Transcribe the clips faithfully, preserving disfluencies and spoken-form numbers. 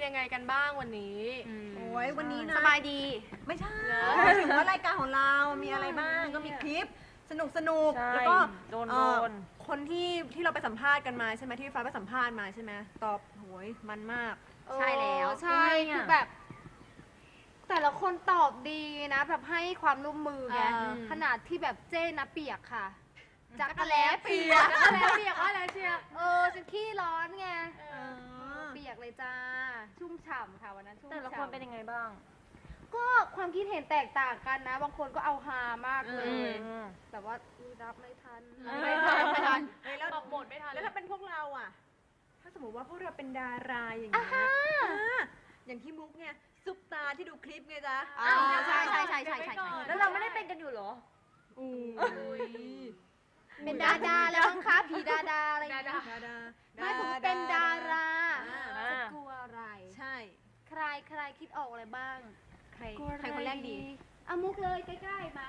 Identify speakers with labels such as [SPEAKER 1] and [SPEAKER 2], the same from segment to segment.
[SPEAKER 1] ยังไงกันบ้างวันนี้
[SPEAKER 2] โอ้ยวันนี้นะ
[SPEAKER 3] สบายดี
[SPEAKER 2] ไม่ใช่ถึงว่ารายการของเรามีอะไรบ้างก็มีคลิปสนุกสนุกแล้วก็
[SPEAKER 4] โดน
[SPEAKER 2] เอ่
[SPEAKER 4] โด
[SPEAKER 2] อน คนที่ที่เราไปสัมภาษณ์กันมาใช่ไหมที่ฟ้าไปสัมภาษณ์มาใช่ไหมตอบโหยมันมาก
[SPEAKER 3] ใช่แล้ว
[SPEAKER 5] ใช่คือแบบ แต่ละคนตอบดีนะ แบบให้ความร่วมมือไง
[SPEAKER 2] อ่า
[SPEAKER 5] ขนาดที่แบบเจ้นะเปียกค่ะ จักร
[SPEAKER 1] จักร
[SPEAKER 5] แล้
[SPEAKER 1] แล้
[SPEAKER 5] เปี
[SPEAKER 1] เปี
[SPEAKER 5] ย
[SPEAKER 1] ย
[SPEAKER 5] ก
[SPEAKER 1] ก
[SPEAKER 5] จักรแล้เปียกว่าอะไรเชียเออฉันขี้ร้อนไง
[SPEAKER 2] เออ
[SPEAKER 5] เปียกเลยจ้า ชุ่มฉ่ำค่ะวันนั้นชุ่ม
[SPEAKER 4] แต่ละ
[SPEAKER 5] ฉ่ำ
[SPEAKER 4] คนเป็นยังไงบ้าง
[SPEAKER 5] ก็ความคิดเห็นแตกต่างกันนะ บางคนก็เอาฮามากเล
[SPEAKER 4] อื
[SPEAKER 5] ย
[SPEAKER 4] ม
[SPEAKER 5] แต่ว่ารับไม่ทัน
[SPEAKER 1] ไม่ทันไม่ทัน
[SPEAKER 2] เฮ้ยแล้ว
[SPEAKER 1] ออกบทไม่ทัน
[SPEAKER 2] แล้วถ้าเป็นพวกเราอ่ะ ถ้าสมมติว่าพวกเราเป็นดาราอย่างเงี้ยอ่าอย่างที่มุกเนี่ยซุปตาที่ดูคลิปไงจ๊ะ
[SPEAKER 3] อ่าใช่ใช่ใช่ใช่ใช่ใช่
[SPEAKER 4] แล้วเราไม่ได้เป็นกันอยู่เหรอ
[SPEAKER 2] อู้ย
[SPEAKER 5] เป็นดาดาแล้วมั้งคะผีดาดาอะไรอย่างเงี้ย
[SPEAKER 1] ดา
[SPEAKER 2] ดาดา
[SPEAKER 5] ไม่ผมเป็นดารา
[SPEAKER 2] อ่า
[SPEAKER 5] จะกลัวอะไร
[SPEAKER 2] ใช่
[SPEAKER 5] ใครใครคิดออกอะไรบ้าง
[SPEAKER 2] ใครใครคนแรกดี
[SPEAKER 5] เอามุกเลยใกล้ๆมา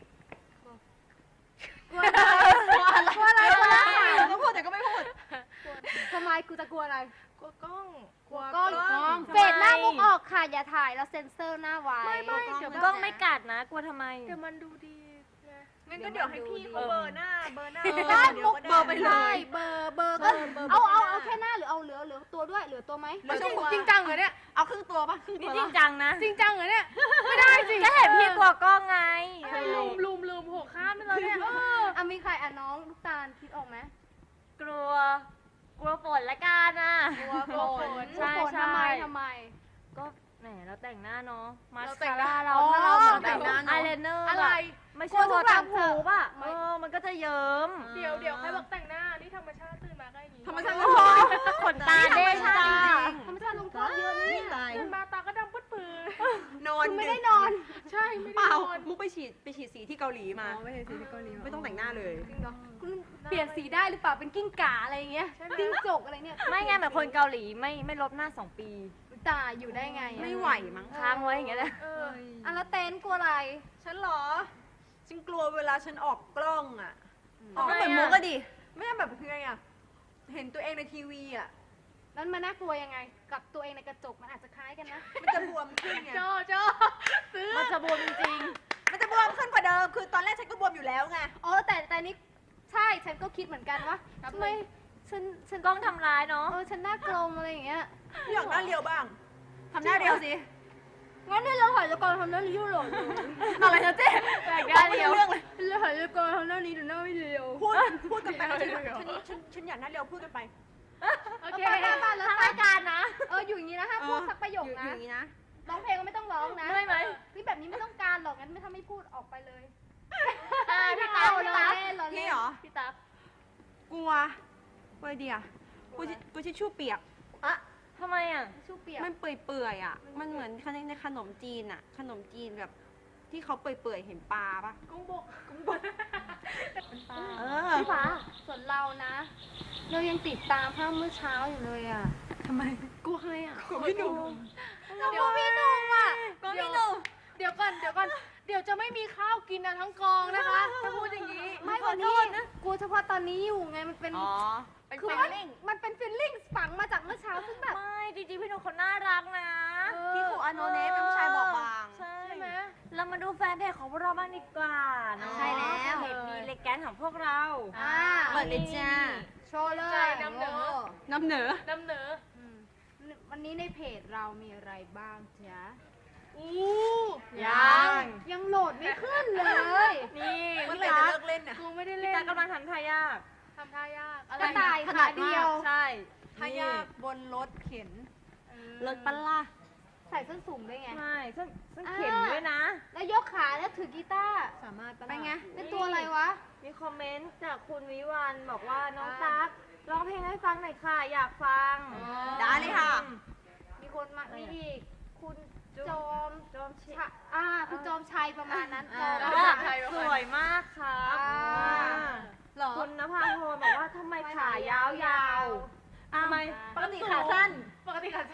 [SPEAKER 2] กลัวอะไรกลัวอะไรกลัวอะไรก็พูดแต่ก็ไม่พูด
[SPEAKER 5] ทำไมกูจะกลัวอะไร
[SPEAKER 1] กลัวกล้อง
[SPEAKER 2] กลัว
[SPEAKER 5] กล้อง
[SPEAKER 2] กล้อง
[SPEAKER 5] เฟดหน้ามุกออกค่ะ อย่าถ่ายแล้วเซ็นเซอร์หน้าไว้
[SPEAKER 1] ไม่ไม่เดี๋ยว
[SPEAKER 4] กล้องไม่กัดนะ กลัวทำไม
[SPEAKER 1] เดี๋ยวมันดูดีไง
[SPEAKER 2] งั้นก็เดี๋ยวให้พี่เขาเบอร์หน้าเบอร์หน้า
[SPEAKER 5] ได้
[SPEAKER 2] เดี๋ย
[SPEAKER 5] มุ
[SPEAKER 2] ว
[SPEAKER 5] ก
[SPEAKER 2] ก็
[SPEAKER 5] เบอ
[SPEAKER 2] ได้
[SPEAKER 5] ร์ไปเลยเบอร์เบอร์ก็
[SPEAKER 2] เบอร์
[SPEAKER 5] เอาเอา
[SPEAKER 2] เบอร์
[SPEAKER 5] เอาแค่หน้าหรือเอาเหลือเหลือตัวด้วยเหลือตัวไหม
[SPEAKER 2] ไม่ต้องกลัว
[SPEAKER 1] จริงจังเหรอเนี่ย
[SPEAKER 2] เอาครึ่งตัวป่ะครึ่ง
[SPEAKER 4] นี่
[SPEAKER 2] ตัว
[SPEAKER 4] จริงจังนะ
[SPEAKER 1] จริงจังเหรอเนี่ย ไม่ได้สิ
[SPEAKER 4] ก็เห็นพี่กลัวกล้องไง
[SPEAKER 1] ให้ลืมลืมลืมหัวข้ามไปเลยเนี่ยเออ
[SPEAKER 5] อ่ะมีใครอ่ะน้องลูกตาลคิดออกไหม
[SPEAKER 4] กลัว กลัวฝนละกันนะ
[SPEAKER 1] กลัวกลัวฝน
[SPEAKER 4] ใช่
[SPEAKER 5] ฝน
[SPEAKER 4] ใช่
[SPEAKER 5] ทำไมทำไม
[SPEAKER 4] ก็แหมเราแต่งหน้าเนาะ มาส
[SPEAKER 1] เราแต่
[SPEAKER 4] คาง
[SPEAKER 1] หน้า
[SPEAKER 4] ร่าเรา
[SPEAKER 5] อ๋อ
[SPEAKER 4] ถ้าเราเหมือน
[SPEAKER 5] แต่
[SPEAKER 4] แบบ
[SPEAKER 5] งหน้าเนอะ
[SPEAKER 4] อายไลเนอร์
[SPEAKER 1] อะไร
[SPEAKER 4] ไม่ใช่ตัวต่างหูป่ะ
[SPEAKER 5] ไม่
[SPEAKER 4] เออ มันก็จะเยิ้ม
[SPEAKER 1] เดี๋ยวเดี๋ยวใครบอกแต่งหน้า นี่ธรรมชาติตื่นมาก็อย่างนี้
[SPEAKER 2] ธรรมชาติ
[SPEAKER 4] โอ้โหขนตาเด้งจ้า
[SPEAKER 5] ธรรมชาติลงโทษเยอะนะเนี่ย
[SPEAKER 2] ตาย
[SPEAKER 1] ตื่นมาตาก็ดำปื้ดปื้
[SPEAKER 2] นอน
[SPEAKER 5] คุณไม่ได้นอน
[SPEAKER 1] ใช่ไม่
[SPEAKER 2] เป
[SPEAKER 1] ได้
[SPEAKER 2] ล่าน
[SPEAKER 1] อน
[SPEAKER 2] มุกไปฉีดไปฉีดสีที่เกาหลีมาไม่ใช่สีที่เกาหลีไม่ต้องแต่งหน้าเลย
[SPEAKER 5] จริงเหรอคุณเปลี่ยนสีได้หรือเปล่าเป็นกิ้งก่าอะไรอย่างเงี้ยกิ้งจกอะไรเนี่ย
[SPEAKER 4] ไม่ไงแบบคนเกาหลีไม่ไม่ลบหน้าสองปี
[SPEAKER 5] ตายอยู่ได้ไงอะ
[SPEAKER 2] ไม่ไหวมั้ง
[SPEAKER 4] ค้างไว้อย่างเงี้ยแหละ
[SPEAKER 1] เออ
[SPEAKER 5] อ่ะแล้วเต้นกลัวอะไร
[SPEAKER 2] ฉันเหรอ ฉันกลัวเวลาฉันออกกล้องอ่ะ ออก
[SPEAKER 4] ทำไม
[SPEAKER 2] ก็เหมือน
[SPEAKER 4] อะ
[SPEAKER 2] มุกก็ดิ ไม่ใช่แบบคือไงอ่ะ เห็นตัวเองในทีวีอ่ะ
[SPEAKER 5] นั้นมันน่ากลัวยังไง กับตัวเองในกระจกมันอาจจะคล้ายกันนะ
[SPEAKER 2] มันจะบวมขึ้นไง
[SPEAKER 1] โจโจซื้อ
[SPEAKER 4] มันจะบวมจริง
[SPEAKER 2] มันจะบวมขึ้นกว่าเดิม คือตอนแรกฉันก็บวมอยู่แล้วไง
[SPEAKER 5] อ๋อแต่แต่นี่ใช่ฉันก็คิดเหมือนกันว่าทำไมฉันฉัน
[SPEAKER 4] ๆกล้องทำร้ายเนาะ
[SPEAKER 5] เออฉันหน้ากลมอะไรอย่างเงี้ย
[SPEAKER 2] อยากหน้าเรียวบ้าง ทำหน้าเรียวสิ
[SPEAKER 5] งั้นเนี่ยเราถ่ายละครทำหน้านี้อยู่หรอ
[SPEAKER 2] อะไรนะเจ๊
[SPEAKER 4] แปลกได้เดียว
[SPEAKER 2] เรื่องเลย
[SPEAKER 5] เราถ่ายละครทำหน้านี้หรือหน้าไม่เดียว
[SPEAKER 2] พูด พูดกันไปฉันฉันฉันฉันอยากหน้าเรียวพูดกันไป
[SPEAKER 1] โอเค
[SPEAKER 5] ไปไปแล้ว
[SPEAKER 4] ทางรายการนะ
[SPEAKER 5] เอออยู่อย่างนี้นะห้ามพูดสักประโยค
[SPEAKER 2] อยู่
[SPEAKER 5] นะ
[SPEAKER 2] อย่างนี้นะ
[SPEAKER 5] ร้องเพลงก็ไม่ต้องร้องนะ
[SPEAKER 4] ได้ไหม
[SPEAKER 5] พี่แบบนี้ไม่ต้องการหรอกงั้นไม่ถ้าไม่พูดออกไปเลย
[SPEAKER 4] อ่าพี่ตั๊
[SPEAKER 5] เอา
[SPEAKER 4] ก
[SPEAKER 5] เล
[SPEAKER 4] พี่ตั๊ก
[SPEAKER 5] ยเรา
[SPEAKER 2] พี่
[SPEAKER 5] เล่น
[SPEAKER 2] เหรอ
[SPEAKER 4] พี่ตั๊ก
[SPEAKER 2] กลัวกลัวเดียกูจะกูจะชู่เปียก
[SPEAKER 5] อะ
[SPEAKER 4] ทำไมอ่ะ
[SPEAKER 5] ชูเปียก
[SPEAKER 2] มันเปื่อยๆอ่ะ มันเหมือนในขนมจีนอ่ะ ขนมจีนแบบที่เขาเปื่อยๆ เห็นปลาปะ
[SPEAKER 1] กุ้งบก
[SPEAKER 2] กุ้งบดเออ
[SPEAKER 5] พี่ฟ้าส่วนเรานะ เรายังติดตามภาพเมื่อเช้าอยู่เลยอ่ะ
[SPEAKER 2] ทำไม
[SPEAKER 1] กลัวใครอ่ะ
[SPEAKER 2] กลัวพี่หนุ่ม
[SPEAKER 1] เดี๋ยวพี่หนุ่มอ่ะ
[SPEAKER 2] กลัวพี่หนุ่ม
[SPEAKER 1] เดี๋ยวก่อน เดี๋ยวก่อน เดี๋ยวจะไม่มีข้าวกินนะทั้งกองนะคะ ถ้าพูดอย่างนี้
[SPEAKER 5] ไม่วันนี้กลัวเฉพาะตอนนี้อยู่ไงมันเป็น
[SPEAKER 2] อ๋อ เป็น
[SPEAKER 5] คือ
[SPEAKER 2] แฟ
[SPEAKER 5] ว่า
[SPEAKER 2] ลิ่ง
[SPEAKER 5] มันเป็นฟีลลิ่งฝังมาจากเมื่อเช้าซึ่งแบบ
[SPEAKER 4] ไม่จริงๆพี่หนุ่มเขาน่ารักนะ
[SPEAKER 2] พี่ครูอโนเนฟเป็นผู้ชายบอบบาง
[SPEAKER 4] ใช่
[SPEAKER 1] ใช่ไหม
[SPEAKER 4] เรามาดูแฟนเพจของพวกเราบ้างดีกว่าเนาะ
[SPEAKER 5] ใช่แล้ว
[SPEAKER 4] เพจมีเลแกนของพวกเรา
[SPEAKER 5] อ่า
[SPEAKER 2] เปิดเลยจ้า
[SPEAKER 5] โชว์เล
[SPEAKER 1] ใจ
[SPEAKER 5] ย
[SPEAKER 1] นำเหนอ
[SPEAKER 2] น้ำเหนือ
[SPEAKER 1] นำเหนอ
[SPEAKER 5] อืมวันนี้ในเพจเรามีอะไรบ้างจ๊ะ
[SPEAKER 1] อู้
[SPEAKER 4] ยัง
[SPEAKER 5] ยังโหลดไม่ขึ้นเลย
[SPEAKER 4] นี่
[SPEAKER 2] เมื่อ
[SPEAKER 4] พี่
[SPEAKER 2] ไหร่จะ
[SPEAKER 4] ตั๊ก
[SPEAKER 2] เลิกเล่นน่ะ
[SPEAKER 1] กูไม่ได้
[SPEAKER 4] พี่
[SPEAKER 1] เล่น
[SPEAKER 4] ตั๊กกำลังทำท่ายาก
[SPEAKER 1] ทำท่ายาก อะไร
[SPEAKER 5] กระต่ายขาเดียว
[SPEAKER 4] ใช่
[SPEAKER 2] ทายากบนรถเข็น
[SPEAKER 1] เออ
[SPEAKER 2] รถปลาล่ะ
[SPEAKER 5] ใส่ส้นสูงด้วยไง
[SPEAKER 4] ใช่ซึ่งซึ่งเข็นด้วยนะ
[SPEAKER 5] แล้วยกขาแล้วถือกีตาร์
[SPEAKER 2] สามารถปะล่ะ
[SPEAKER 5] ไปไง เป็นตัวอะไรวะ
[SPEAKER 4] มีคอมเมนต์จากคุณวิวันบอกว่าน้องตั๊กร้องเพลงให้ฟังหน่อยค่ะ อยากฟัง
[SPEAKER 2] ได้เลยค่ะ
[SPEAKER 5] มีคนมามีอีก คุณจอม
[SPEAKER 4] จอมเช
[SPEAKER 5] ชะอ่า คุณจอมชัยประมาณนั้น
[SPEAKER 2] อ่า
[SPEAKER 5] จอม
[SPEAKER 4] ว่า
[SPEAKER 5] ชัย
[SPEAKER 4] สวยมากครับ
[SPEAKER 5] อ่า
[SPEAKER 2] หรอ
[SPEAKER 4] คุณนภาพรบอกว่าทำไมขายาวๆทำไม
[SPEAKER 2] ปกติขาสั้น
[SPEAKER 1] ปกติขาสั้น
[SPEAKER 2] ป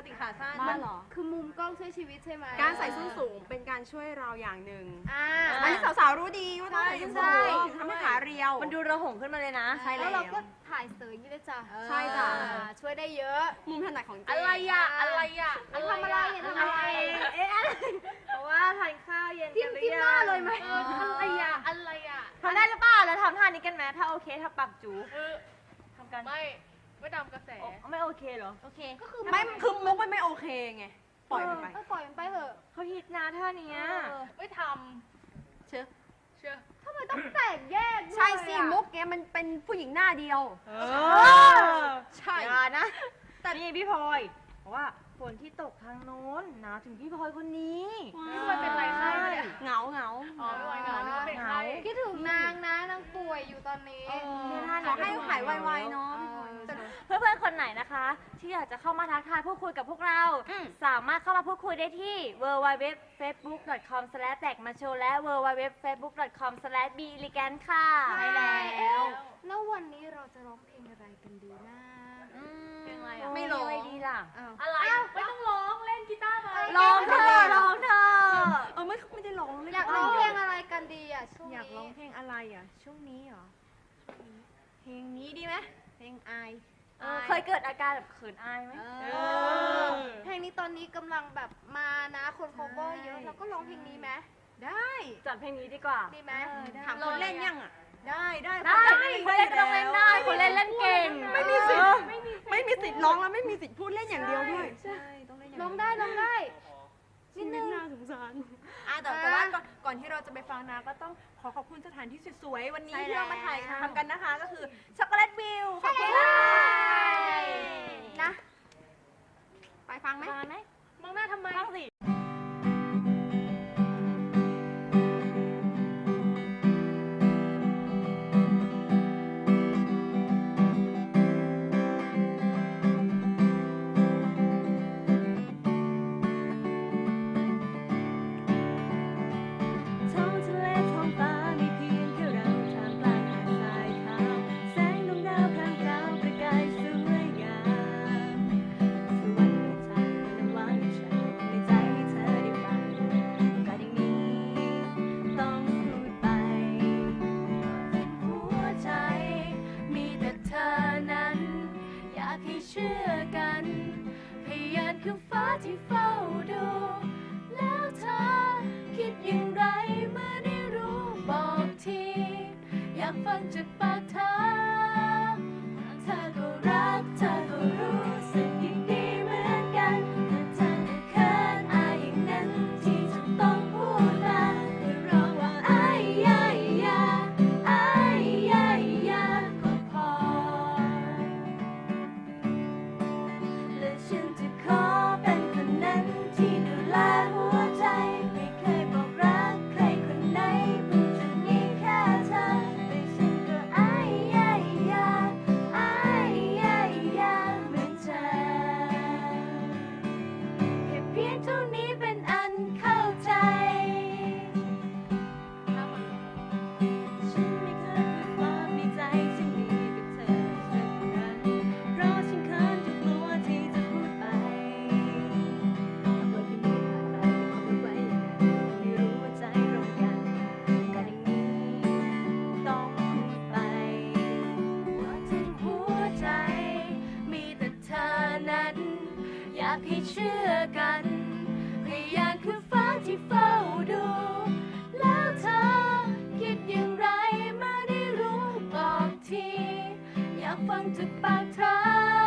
[SPEAKER 2] ติขาสั้น
[SPEAKER 5] มันคือมุมกล้องช่วยชีวิตใช่ไหม
[SPEAKER 3] การใส่ส้นสูงเป็นการช่วยเราอย่างหนึ่ง
[SPEAKER 5] อ่า
[SPEAKER 3] อันนี้สาวๆรู้ดีว่าต้องใส่ส้น
[SPEAKER 5] ใช่
[SPEAKER 3] สูงถึงทำให้ขาเรียว
[SPEAKER 4] มันดูระหงขึ้นมาเลยนะ
[SPEAKER 3] ใช่
[SPEAKER 5] แล้
[SPEAKER 3] แล้ว ว
[SPEAKER 5] เราก็ถ่ายเสยอย่างนี้เลยจ้ะ
[SPEAKER 3] ใช่จ้ะ
[SPEAKER 5] อ่าช่วยได้เยอะ
[SPEAKER 3] มุมถนัดของเจ๊
[SPEAKER 1] อะไรอะอะไรอะ
[SPEAKER 5] ทำอะไรอะทำอะไร
[SPEAKER 4] เอ๊ะอะไรเพราะว่าทานข้าวเย็น
[SPEAKER 5] จิ้ม
[SPEAKER 4] กันหรือ
[SPEAKER 5] จิ้ม
[SPEAKER 4] ยัง
[SPEAKER 5] หน้าเลยไหม
[SPEAKER 1] เอออะไรอะอะไรอะ
[SPEAKER 4] ทำได้หรือเปล่าแล้วทำท่านี้กันไหมถ้าโอเคทำปากจู
[SPEAKER 1] เออ
[SPEAKER 4] ทำกัน
[SPEAKER 1] ไม่ไม่ตามกระแส
[SPEAKER 4] โอ้ไม่โอเคเหรอ
[SPEAKER 5] โอเค ก็คือ
[SPEAKER 3] ไม่คือมุกมันไม่โอเคไง ปล่อยมันไป
[SPEAKER 5] เออปล่อยมันไปเถอะ
[SPEAKER 4] เขาฮิตนะท่านี้
[SPEAKER 5] เออ
[SPEAKER 1] ไม่ท
[SPEAKER 3] เชื่อ
[SPEAKER 1] ำเชื่อ
[SPEAKER 5] ทำไมต้องแตกแยกด้วย
[SPEAKER 3] ใช่สิ
[SPEAKER 5] อะ
[SPEAKER 3] มุกเนี้ยมันเป็นผู้หญิงหน้าเดียว
[SPEAKER 4] เอ
[SPEAKER 3] อใช่
[SPEAKER 4] อย่านะ แต่นี่พี่พลอยเพราะว่าฝนที่ตกทางโน้นหนาวถึงพี่พลอยคนนี้
[SPEAKER 1] พี่พลอยเป็นไรคะเนี่ย
[SPEAKER 3] เหงาเหงา
[SPEAKER 1] อ๋อไม่ไหวเหงานึกว่าเป็นใคร
[SPEAKER 5] คิดถึงนางนะนางป่วยอยู่ตอนนี้
[SPEAKER 3] ขอให้หายไวๆเนาะ
[SPEAKER 4] เพื่อนๆคนไหนนะคะ ที่อยากจะเข้ามาทักทายพูดคุยกับพวกเรา สามารถเข้ามาพูดคุยได้ที่ ดับเบิลยู ดับเบิลยู ดับเบิลยู ดอท เฟซบุ๊ก ดอท คอม สแลช แตกมาโชว์ และ ดับเบิลยู ดับเบิลยู ดับเบิลยู ดอท เฟซบุ๊ก ดอท คอม สแลช บี อี ลีแกน ค่ะ
[SPEAKER 5] ใช่แล้ว แล้ววันนี้เราจะร้องเพลงอะไรกันดีนะ
[SPEAKER 1] เพลงอะไรอะ
[SPEAKER 3] ไม่ร้อง
[SPEAKER 4] อะไรดีล่ะ
[SPEAKER 5] อ้าว
[SPEAKER 1] อะไรไม่ต้องร้องเล่นกีตาร์ไป
[SPEAKER 4] ลองเธอะลองเธอะ
[SPEAKER 3] เออไม่ไม่ได้ร้องเลย
[SPEAKER 5] อยากร้องเพลงอะไรกันดีอ่ะช่วง
[SPEAKER 2] อยากร้อง
[SPEAKER 5] นี้
[SPEAKER 2] เพลงอะไรอ่ะ ช่วงนี้เหรอ เพลงนี้ดีไหมเพลงอาย
[SPEAKER 4] เออเคยเกิดอาการแบบเขินอายไหม
[SPEAKER 2] เอ
[SPEAKER 5] อเพลงนี้ตอนนี้กำลังแบบมานะคน cover เยอะเราก็ร้องเพลงนี้ไหม
[SPEAKER 2] ได้
[SPEAKER 4] จัดเพลงนี้ดีกว่า
[SPEAKER 5] ดีไหม
[SPEAKER 3] ถามคนเล่นยังอ่ะ
[SPEAKER 2] ได้ได้
[SPEAKER 4] ได้คนเล่นก็ต้องเล่นได้คนเล่นเล่นเก่ง
[SPEAKER 3] ไม่มีสิทธิ์ไม่มีสิทธิ์ร้องแล้วไม่มีสิทธิ์พูดเล่นอย่างเดียวด้วย
[SPEAKER 2] ใช่ต้องเล่นอย่าง
[SPEAKER 5] ร้องได้ร้องได้
[SPEAKER 3] นิดนึงน่าสงสาร
[SPEAKER 2] อ่ะแต่แต่ว่าก่อนก่อนที่เราจะไปฟังนะก็ต้องขอขอบคุณสถานที่สวยๆวันนี้ที่เรามาถ่ายทำกันนะคะ ก็คือช็อกโกแลตวิวขอบคุณค่ะ
[SPEAKER 5] นะ ไปฟังไหม
[SPEAKER 4] มาไหม
[SPEAKER 1] มองหน้าทำไม
[SPEAKER 4] บ้างสิ
[SPEAKER 6] ท้องทะเลท้องฟ้ามีเพียงแค่เราท่ามกลางหาดทรายขาวแสงดวงดาวพรางพราวประกายสวยงามสวรรค์ในใจน้ำหวานฉันในใจให้เธอได้ฟังก็อย่างนี้ต้องพูดไปหัวใจมีแต่เธอนั้นอยากให้เชื่อกันพยานคือฟ้าที่เฝ้าดูแล้วเธอคิดอย่างไรเมื่อได้รู้บอกที อยากฟังจากปากเธอ เธอก็รักเธอก็รู้สึกอย่างดีเหมือนกันแต่เธอก็เขินอายอย่างนั้นที่จะต้องพูดมาคือร้องว่าอายยายาอายยายาก็พอ และฉันจะขอเป็นคนนั้นที่ดูแลหัวใจไม่เคยบอกรักใครคนไหนเพิ่งจะมีแค่เธอแต่ฉันก็อายยายาอายยายาเหมือนเธอแค่เพียงเท่านี้เป็นอันเข้าใจ ฉันไม่เคยพูดความในใจฉันมีกับเธอสักครั้งเพราะฉันเขินจนกลัวที่จะพูดไปเมื่อที่มีผ่านไปก็ไม่ไหวไม่รู้ว่าใจตรงกันกันอย่างนี้ต้องพูดไปว่าทั้งหัวใจมีแต่เธอนั้น อยากให้เชื่อกันพยานคือฟ้าที่เฝ้าดู แล้วเธอคิดอย่างไรเมื่อได้รู้บอกที อยากฟังจากปากเธอ